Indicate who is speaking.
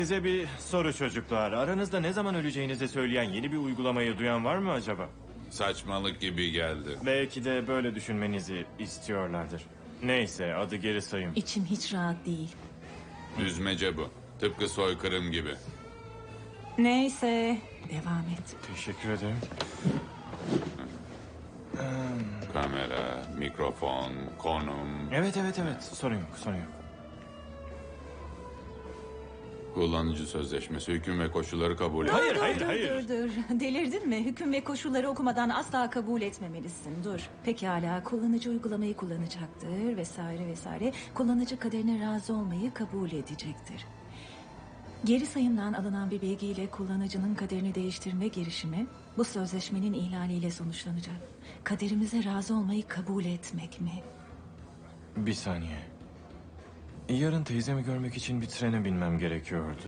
Speaker 1: Size bir soru çocuklar. Aranızda ne zaman öleceğinizi söyleyen yeni bir uygulamayı duyan var mı acaba?
Speaker 2: Saçmalık gibi geldi.
Speaker 1: Belki de böyle düşünmenizi istiyorlardır. Neyse, adı geri sayım.
Speaker 3: İçim hiç rahat değil.
Speaker 2: Düzmece bu. Tıpkı soykırım gibi.
Speaker 3: Neyse, devam et.
Speaker 1: Teşekkür ederim.
Speaker 2: Kamera, mikrofon, konum,
Speaker 1: Evet. Sorun yok.
Speaker 2: kullanıcı sözleşmesi, hüküm ve koşulları kabul et.
Speaker 1: Hayır.
Speaker 3: Dur. Delirdin mi? Hüküm ve koşulları okumadan asla kabul etmemelisin. Dur. Pekala, kullanıcı uygulamayı kullanacaktır vesaire. Kullanıcı kaderine razı olmayı kabul edecektir. Geri sayımdan alınan bir bilgiyle kullanıcının kaderini değiştirme girişimi bu sözleşmenin ihlaliyle sonuçlanacak. Kaderimize razı olmayı kabul etmek mi?
Speaker 1: Bir saniye. Yarın teyzemi görmek için bir trene binmem gerekiyordu.